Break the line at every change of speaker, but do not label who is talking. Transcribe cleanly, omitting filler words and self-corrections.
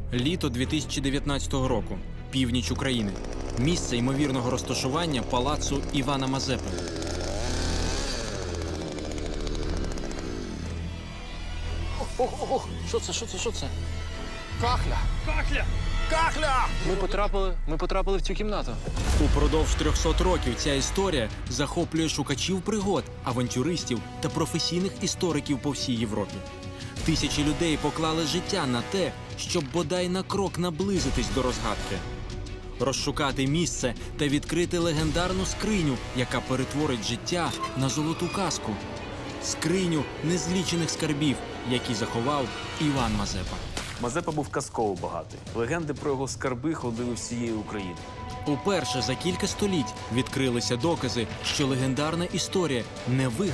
Літо 2019 року. Північ України. Місце ймовірного розташування палацу Івана Мазепи.
Ох, що це?
Кахля!
Кахля!
Кахля!
Ми потрапили в цю кімнату.
Упродовж 300 років ця історія захоплює шукачів пригод, авантюристів та професійних істориків по всій Європі. Тисячі людей поклали життя на те, щоб бодай на крок наблизитись до розгадки. Розшукати місце та відкрити легендарну скриню, яка перетворить життя на золоту казку. Скриню незлічених скарбів, які заховав Іван Мазепа.
Мазепа був казково багатий. Легенди про його скарби ходили всією Україною.
Уперше за кілька століть відкрилися докази, що легендарна історія не вигадана.